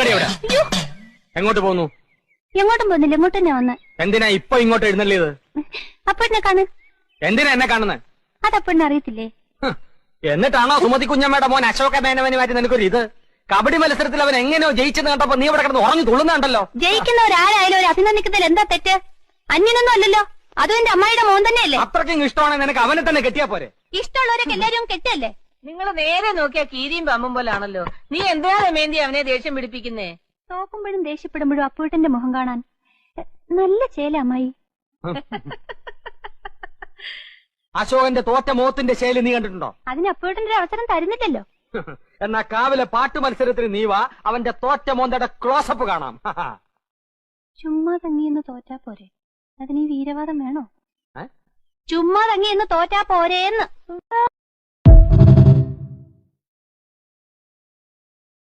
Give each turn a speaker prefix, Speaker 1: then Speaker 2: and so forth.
Speaker 1: നിക്കടി അവിടെ. എങ്ങോട്ട് പോന്നു?
Speaker 2: എങ്ങോട്ടും പോകുന്നില്ല, ഇങ്ങോട്ട് തന്നെ വന്ന്.
Speaker 1: എന്തിനാ ഇപ്പൊ ഇങ്ങോട്ട് എഴുന്നള്ളിയത്?
Speaker 2: അപ്പഴിനെ കാണ്.
Speaker 1: എന്തിനാ എന്നെ കാണുന്നത്?
Speaker 2: അതപ്പഴിനെ അറിയത്തില്ലേ?
Speaker 1: എന്നിട്ടാണോ സുമതി കുഞ്ഞമ്മയുടെ മോൻ അശോക മേനവന് മാറ്റി നിനക്കൊരു ഇത്? കബഡി മത്സരത്തിൽ അവൻ എങ്ങനെയോ ജയിച്ചെന്ന് കണ്ടപ്പോ നീ ഇവിടെ കിടന്ന് ഉറങ്ങി തുള്ളുന്നുണ്ടല്ലോ.
Speaker 2: ജയിക്കുന്നവരാരായാലും ഒരു അഭിനന്ദിക്കുന്നതിൽ എന്താ തെറ്റ്? അന്യനൊന്നും അല്ലല്ലോ, അതും എന്റെ അമ്മായിയുടെ മോൻ തന്നെയല്ലേ.
Speaker 1: അത്രയ്ക്കും ഇഷ്ടമാണെങ്കിൽ നിനക്ക് അവനെ തന്നെ കെട്ടിയാ പോരെ?
Speaker 2: ഇഷ്ടമുള്ളവരൊക്കെ എല്ലാരും കെട്ടല്ലേ?
Speaker 3: നിങ്ങൾ നേരെ നോക്കിയാ കീരിയും പമ്പും പോലാണല്ലോ. നീ എന്തിനാ രമേന്തി അവനെ ദേഷ്യം പിടിപ്പിക്കുന്നേ?
Speaker 2: തോക്കുമ്പോഴും ദേഷ്യപ്പെടുമ്പോഴും അപ്പൂട്ടന്റെ മുഖം കാണാൻ നല്ല ചേല അമ്മായി.
Speaker 1: അശോകന്റെ തോറ്റ മോത്തിന്റെ ശൈലി നീ കണ്ടിട്ടുണ്ടോ?
Speaker 2: അതിന് അപ്പൂട്ടന്റെ ഒരു അവസരം തരുന്നില്ലല്ലോ.
Speaker 1: എന്നാ കാവിലെ പാട്ട് മത്സരത്തിന് നീ വാ, അവന്റെ തോറ്റ മോന്തയുടെ ക്ലോസപ്പ് കാണാം.
Speaker 2: ചുമ്മാ തങ്ങിയെന്ന് തോറ്റാ പോരെ, അതിന് ഈ വീരവാദം വേണോ? ചുമ്മാ തങ്ങിയെന്ന് തോറ്റാ പോരേന്ന്.